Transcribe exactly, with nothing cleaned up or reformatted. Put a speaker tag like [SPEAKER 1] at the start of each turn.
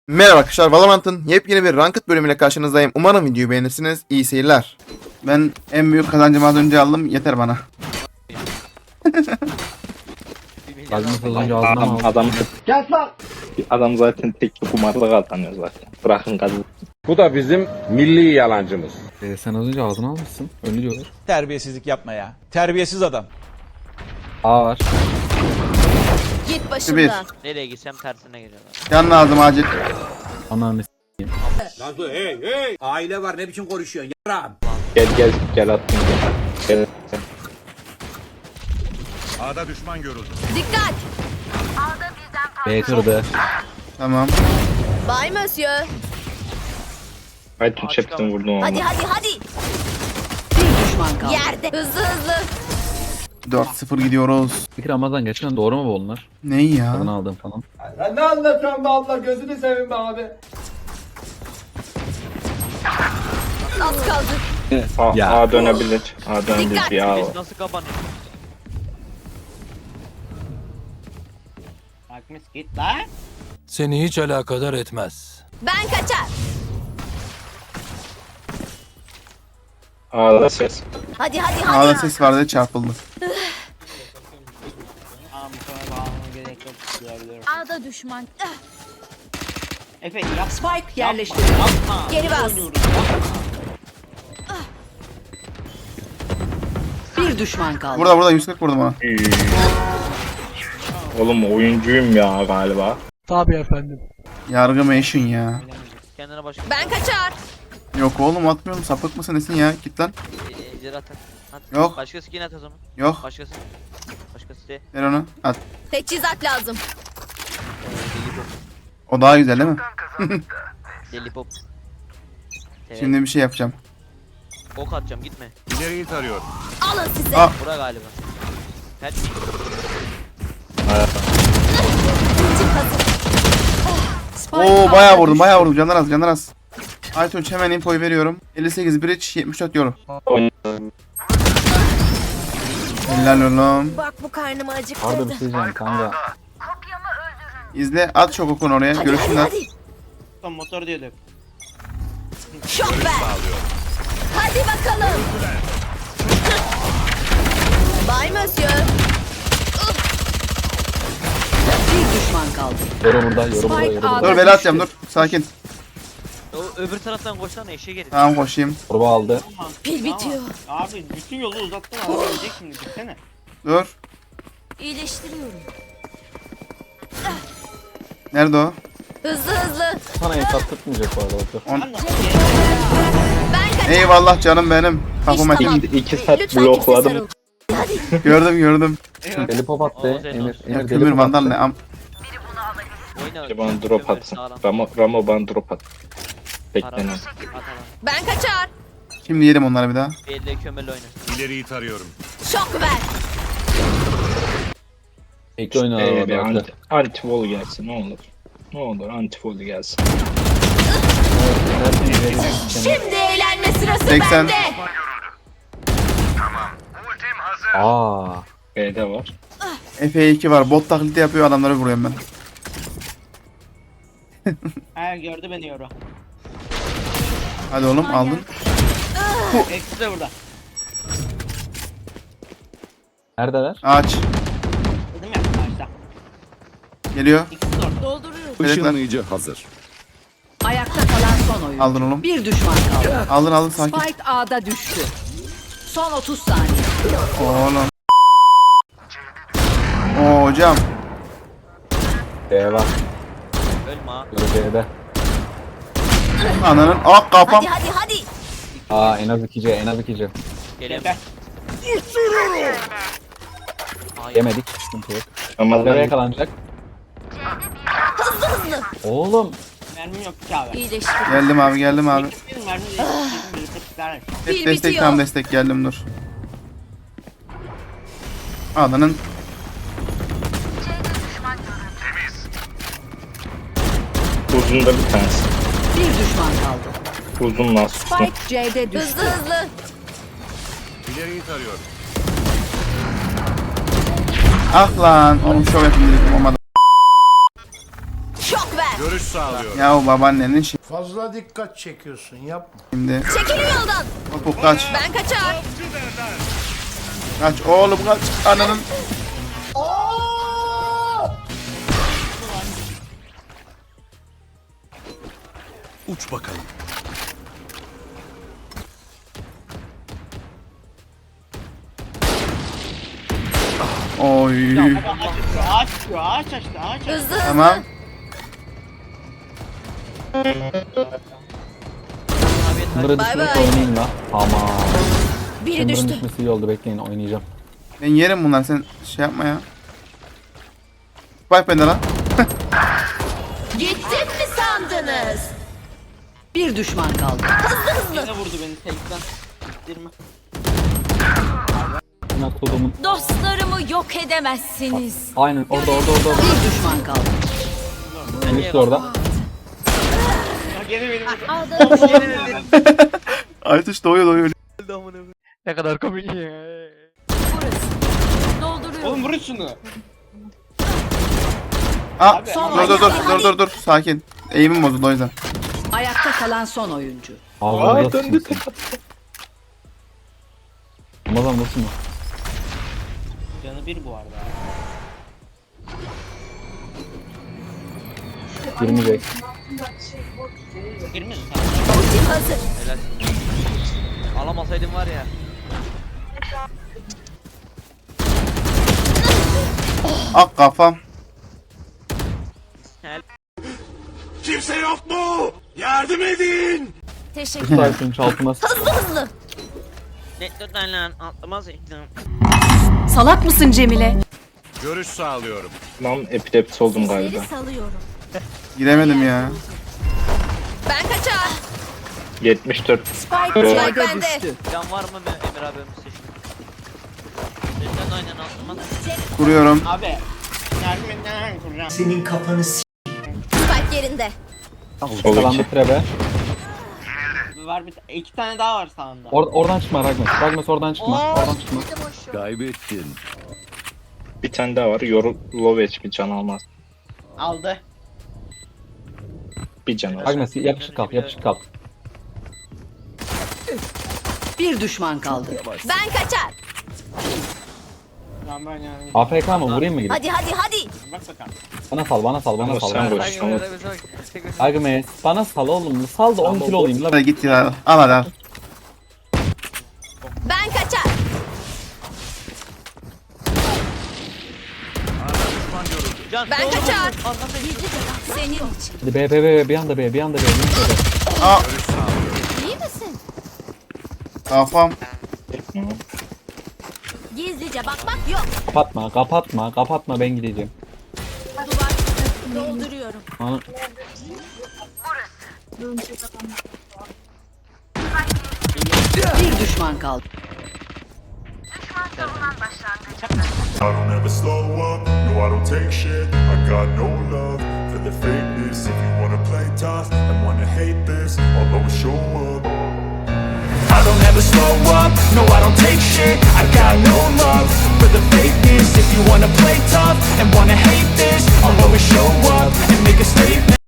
[SPEAKER 1] Merhaba arkadaşlar, Valorant'ın yepyeni bir Ranked bölümüyle karşınızdayım. Umarım videoyu beğenirsiniz. İyi seyirler. Ben en büyük kazancımı az önce aldım. Yeter bana.
[SPEAKER 2] Kazmış olunca ağzına mı
[SPEAKER 3] Adam,
[SPEAKER 2] aldın?
[SPEAKER 3] adam, adam zaten tek bir kumarda kazanıyor zaten. Bırakın kazan.
[SPEAKER 4] Bu da bizim milli yalancımız.
[SPEAKER 2] Ee, sen az önce ağzına almışsın. Öyle diyorlar.
[SPEAKER 5] Terbiyesizlik yapma ya. Terbiyesiz adam.
[SPEAKER 2] A var.
[SPEAKER 6] Git
[SPEAKER 1] Bir.
[SPEAKER 6] başımdan.
[SPEAKER 7] Nereye gitsem tersine geliyorlar.
[SPEAKER 1] Can lazım acil.
[SPEAKER 2] Ananı s***.
[SPEAKER 5] Aile var ne biçim konuşuyorsun yaram.
[SPEAKER 3] Gel gel gel attım gel. Gel.
[SPEAKER 6] Dikkat.
[SPEAKER 2] B kırdı.
[SPEAKER 1] Tamam.
[SPEAKER 6] Bay Monsieur.
[SPEAKER 3] Ay tüm çeptim vurdum ama.
[SPEAKER 6] Hadi hadi hadi.
[SPEAKER 8] Bir düşman kaldı.
[SPEAKER 6] Yerde. Hızlı hızlı.
[SPEAKER 1] dört sıfır gidiyoruz.
[SPEAKER 2] Peki Ramazan gerçekten doğru mu bu onlar?
[SPEAKER 1] Ne ya?
[SPEAKER 2] Adını aldım falan.
[SPEAKER 5] Ben ne anlatıyorum be abla gözünü seveyim be abi.
[SPEAKER 6] Az kaldı.
[SPEAKER 3] A,
[SPEAKER 2] Ya.
[SPEAKER 3] A dönebilir. A dönebilir
[SPEAKER 6] Dikkat.
[SPEAKER 3] bir A var.
[SPEAKER 7] Biz nasıl kapanıyor?
[SPEAKER 9] Seni hiç alakadar etmez.
[SPEAKER 6] Ben kaçar.
[SPEAKER 3] A'da ses.
[SPEAKER 6] Hadi hadi hadi.
[SPEAKER 1] Ağda ses vardı, çarpıldı.
[SPEAKER 6] Ağda düşman. Ah,
[SPEAKER 8] Spike yerleştirildi.
[SPEAKER 6] Geri bas.
[SPEAKER 8] Bir düşman kaldı.
[SPEAKER 1] Burada burada yüz kırk vurdum ona.
[SPEAKER 3] Üy. Oğlum oyuncuyum ya galiba.
[SPEAKER 1] Yargı meşin ya.
[SPEAKER 7] Kendine başka
[SPEAKER 6] Ben kaçar.
[SPEAKER 1] Yok oğlum, atmıyorum. Sapık mısın nesin ya? Git lan.
[SPEAKER 7] e, ejder atar. At.
[SPEAKER 1] Yok.
[SPEAKER 7] Başka skin at o zaman.
[SPEAKER 1] Yok.
[SPEAKER 7] Başkası. Başkası de.
[SPEAKER 1] Ver onu. At.
[SPEAKER 6] Teçhizat lazım.
[SPEAKER 7] Deli pop.
[SPEAKER 1] O daha güzel değil mi?
[SPEAKER 7] Deli pop. Evet.
[SPEAKER 1] Şimdi bir şey yapacağım.
[SPEAKER 7] Ok atacağım gitme.
[SPEAKER 6] Alın size.
[SPEAKER 1] Aa.
[SPEAKER 7] Bura galiba. Her
[SPEAKER 6] Ultim hazır.
[SPEAKER 8] Spike
[SPEAKER 1] Oo,
[SPEAKER 8] ağda
[SPEAKER 1] bayağı vurdum,
[SPEAKER 8] düştü.
[SPEAKER 1] bayağı vurdum. Canlar az, canlar az. Aytunç hemen infoyu veriyorum. elli sekiz bridge, yetmiş dört euro. Helal oğlum.
[SPEAKER 6] Bak bu karnımı
[SPEAKER 2] Arda
[SPEAKER 6] acıktırdı.
[SPEAKER 2] bir şey diyeceğim kanka.
[SPEAKER 1] İzle, at çok okun oraya.
[SPEAKER 6] Hadi hadi
[SPEAKER 1] Görüşünler.
[SPEAKER 6] hadi. Motor diyorduk. Şok ver. Hadi bakalım. Bay Monsieur.
[SPEAKER 8] Bir düşman kaldı.
[SPEAKER 2] Yoru burada, yoru burada,
[SPEAKER 8] Spike
[SPEAKER 2] yoru burada.
[SPEAKER 8] A'da
[SPEAKER 1] Dur, bela atacağım, dur. Sakin.
[SPEAKER 7] O öbür taraftan koşsana eşeğe gelin.
[SPEAKER 1] Tamam, koşayım.
[SPEAKER 2] Torba aldı.
[SPEAKER 6] Pil bitiyor.
[SPEAKER 10] Abi bütün yolu uzattın adam ölecek şimdi gitsene.
[SPEAKER 1] Dur.
[SPEAKER 6] İyileştiriyorum.
[SPEAKER 1] Nerede o?
[SPEAKER 6] Hızlı hızlı.
[SPEAKER 2] Sana hesap tutmayacak bu arada. Otur.
[SPEAKER 1] On...
[SPEAKER 6] Ben kaçar.
[SPEAKER 1] Eyvallah canım benim. Kafama
[SPEAKER 6] İşte tamam.
[SPEAKER 3] İki, iki saat
[SPEAKER 6] Lütfen kimse
[SPEAKER 3] blokladım.
[SPEAKER 6] sarıl. Hadi.
[SPEAKER 1] gördüm gördüm.
[SPEAKER 2] Deli pop attı.
[SPEAKER 7] Oo, Zeynep.
[SPEAKER 2] Emir,
[SPEAKER 1] Ya,
[SPEAKER 2] Emir deli
[SPEAKER 1] kömür
[SPEAKER 2] pop
[SPEAKER 1] vandal
[SPEAKER 2] attı.
[SPEAKER 1] ne? Am
[SPEAKER 7] Oyna.
[SPEAKER 3] İşte bana drop
[SPEAKER 7] Kömür
[SPEAKER 3] atsın.
[SPEAKER 7] sağlam.
[SPEAKER 3] Ramo, Ramo bana drop at.
[SPEAKER 7] Para.
[SPEAKER 3] Beklenen.
[SPEAKER 7] At alan.
[SPEAKER 6] Ben kaçar.
[SPEAKER 1] Şimdi yedim onları bir daha.
[SPEAKER 7] Belli kömürle oyna.
[SPEAKER 6] Şok ver.
[SPEAKER 2] Ekli oynadı
[SPEAKER 3] Ee,
[SPEAKER 2] orada.
[SPEAKER 3] bir
[SPEAKER 2] Atlı.
[SPEAKER 3] anti, anti wall gelsin ne olur. Ne olur anti wall gelsin.
[SPEAKER 6] Şimdi eğlenme sırası
[SPEAKER 1] seksen.
[SPEAKER 6] bende.
[SPEAKER 2] Aa.
[SPEAKER 3] B'de var.
[SPEAKER 1] F iki var. Bot taklidi yapıyor, adamları vuruyorum ben.
[SPEAKER 10] He gördü beni yoru.
[SPEAKER 1] Hadi oğlum, aldın.
[SPEAKER 10] Eksi de burada.
[SPEAKER 2] Neredeler?
[SPEAKER 1] Ağaç.
[SPEAKER 10] Dedim ya başta.
[SPEAKER 1] Geliyor.
[SPEAKER 10] İkisi de orada.
[SPEAKER 6] Dolduruyorum.
[SPEAKER 1] Işınlayıcı.
[SPEAKER 8] Ayakta kalan son oyun.
[SPEAKER 1] Aldın oğlum.
[SPEAKER 8] Bir düşman kaldı.
[SPEAKER 1] Aldın aldın, sakin.
[SPEAKER 8] Spike A'da düştü. Son otuz saniye.
[SPEAKER 1] Oğlum. Oo hocam.
[SPEAKER 2] B var.
[SPEAKER 7] Ölme ha.
[SPEAKER 2] Yoru B'de.
[SPEAKER 1] Ananın. Ah, kafam.
[SPEAKER 6] Hadi hadi hadi.
[SPEAKER 2] Aa en az iki C, en az iki C.
[SPEAKER 7] Gelemem.
[SPEAKER 2] Yemedik. Sıkıntı yok.
[SPEAKER 3] Ama
[SPEAKER 2] Nereye
[SPEAKER 3] ben
[SPEAKER 2] yakalanacak?
[SPEAKER 6] Hızlı hızlı.
[SPEAKER 2] Oğlum.
[SPEAKER 10] Mermim yok ki abi.
[SPEAKER 6] İyileştir.
[SPEAKER 1] Geldim abi, geldim abi.
[SPEAKER 10] Benim mermim değil. Benim bir tepkiler.
[SPEAKER 1] Hep
[SPEAKER 6] Pil
[SPEAKER 1] destek,
[SPEAKER 6] bitiyor.
[SPEAKER 1] tam destek, geldim dur. Ananın.
[SPEAKER 3] uzunda bir tanesi.
[SPEAKER 8] Bir düşman kaldı.
[SPEAKER 3] Uzun nasıl?
[SPEAKER 8] Spike C'de düştü.
[SPEAKER 6] Hızlı hızlı.
[SPEAKER 1] Ah lan, onu şov yapayım dedim, olmadı.
[SPEAKER 6] Şok ver.
[SPEAKER 4] Görüş sağlıyorum.
[SPEAKER 1] Ya o babaannenin şey
[SPEAKER 5] Fazla dikkat çekiyorsun yapma.
[SPEAKER 1] şimdi.
[SPEAKER 6] Çekilin yoldan.
[SPEAKER 1] Hop kaç.
[SPEAKER 6] Ben kaçar.
[SPEAKER 1] Kaç oğlum kaç. Ananın.
[SPEAKER 4] Uç bakalım.
[SPEAKER 1] Oy.
[SPEAKER 10] Ağaç açıyor, ağaç açıyor, ağaç açtı, ağaç açtı.
[SPEAKER 6] Hızlı hızlı.
[SPEAKER 1] Tamam.
[SPEAKER 2] Bunları
[SPEAKER 6] Bay
[SPEAKER 2] düşürüp
[SPEAKER 6] bay.
[SPEAKER 2] oynayayım la. Tamam.
[SPEAKER 6] Biri
[SPEAKER 2] Bunların
[SPEAKER 6] düştü.
[SPEAKER 2] düşmesi iyi oldu, bekleyin oynayacağım.
[SPEAKER 1] Ben yerim bunlar sen şey yapma ya. Bak bende lan.
[SPEAKER 6] Gittim mi sandınız?
[SPEAKER 8] Bir düşman kaldı.
[SPEAKER 10] Yine vurdu beni tekten. Dirme.
[SPEAKER 2] Buna kodumun.
[SPEAKER 6] Dostlarımı yok edemezsiniz.
[SPEAKER 2] Aynen orada orada orada. orada.
[SPEAKER 8] Bir düşman kaldı.
[SPEAKER 2] Birisi orada.
[SPEAKER 10] Ya gene benim vurdu.
[SPEAKER 1] Aytuş doğuyor doğuyor.
[SPEAKER 7] Ne kadar komik ya.
[SPEAKER 6] Dolduruyorum.
[SPEAKER 10] Oğlum vurun şunu.
[SPEAKER 1] Aa,
[SPEAKER 10] Abi,
[SPEAKER 1] dur dur dur dur dur dur sakin. Eğimim bozuldu o yüzden.
[SPEAKER 8] Ayakta kalan son oyuncu.
[SPEAKER 2] Ağzına sıçsın sen. Ramazan nasıl mı?
[SPEAKER 10] Canı bir bu arada.
[SPEAKER 2] Girmeyecek.
[SPEAKER 10] Girmedi
[SPEAKER 6] Ultim hazır.
[SPEAKER 7] Helal. Alamasaydım var ya.
[SPEAKER 1] Ak kafam.
[SPEAKER 4] Kimse yok mu? Yardım edin.
[SPEAKER 6] Teşekkür.
[SPEAKER 2] Sarsın çaltına sıçsın.
[SPEAKER 6] Hızlı hızlı.
[SPEAKER 7] Ne tutan lan atlamaz ettim.
[SPEAKER 8] Salak mısın Cemile?
[SPEAKER 4] Görüş sağlıyorum.
[SPEAKER 3] Lan epilepsi oldum galiba.
[SPEAKER 6] Sesleri salıyorum.
[SPEAKER 1] Giremedim ya.
[SPEAKER 6] Ben kaçar.
[SPEAKER 3] yetmiş dört.
[SPEAKER 6] Spike,
[SPEAKER 3] Evet.
[SPEAKER 6] Spike bende.
[SPEAKER 8] Düştü.
[SPEAKER 7] Can var mı be Emir abim seçtim. Lütfen aynen atlamaz.
[SPEAKER 1] Kuruyorum.
[SPEAKER 10] Abi. Yardım edin hemen kuracağım.
[SPEAKER 6] Spike yerinde.
[SPEAKER 3] Sol
[SPEAKER 2] Kalandı
[SPEAKER 3] iki.
[SPEAKER 2] trebe.
[SPEAKER 10] Var bir iki tane daha var sağında.
[SPEAKER 2] Or oradan çıkma Ragmes. Ragmes oradan çıkma. Oradan çıkma.
[SPEAKER 4] Kaybettin.
[SPEAKER 3] Bir tane daha var. Yoru low H P can almaz.
[SPEAKER 10] Aldı.
[SPEAKER 3] Bir can alır.
[SPEAKER 2] Ragmes yapışık kal, yapışık kal.
[SPEAKER 8] Bir düşman kaldı.
[SPEAKER 6] Ben kaçar.
[SPEAKER 10] Lan ben yani.
[SPEAKER 2] A F K mı? Vurayım mı gidip?
[SPEAKER 6] Hadi hadi hadi.
[SPEAKER 10] Bak bakalım.
[SPEAKER 2] Bana sal, bana sal, bana
[SPEAKER 3] Ama
[SPEAKER 2] sal.
[SPEAKER 3] sen
[SPEAKER 2] Bana
[SPEAKER 3] vur.
[SPEAKER 2] sal.
[SPEAKER 3] Tamam.
[SPEAKER 2] Ragmes, bana sal oğlum. Sal da on kilo olayım la.
[SPEAKER 1] Hadi git ya. Al hadi al.
[SPEAKER 6] Ben kaçar.
[SPEAKER 7] Can.
[SPEAKER 6] Ben kaçar. Senin için.
[SPEAKER 2] Hadi B, B, B, bir anda B, bir anda B. bir anda B.
[SPEAKER 1] Aa
[SPEAKER 6] İyi misin?
[SPEAKER 1] kafam.
[SPEAKER 6] Gizlice bakmak yok.
[SPEAKER 2] Kapatma, kapatma, kapatma ben gideceğim.
[SPEAKER 6] Duvar dolduruyorum.
[SPEAKER 2] Ana.
[SPEAKER 8] Bir düşman kaldı.
[SPEAKER 11] I don't ever slow up, no I don't take shit. I got no love for the fakeness. If you wanna play tough and wanna hate this, I'll always show up. I don't ever slow up, no I don't take shit. I got no love for the fakeness. If you wanna play tough and wanna hate this, I'll always show up and make a statement.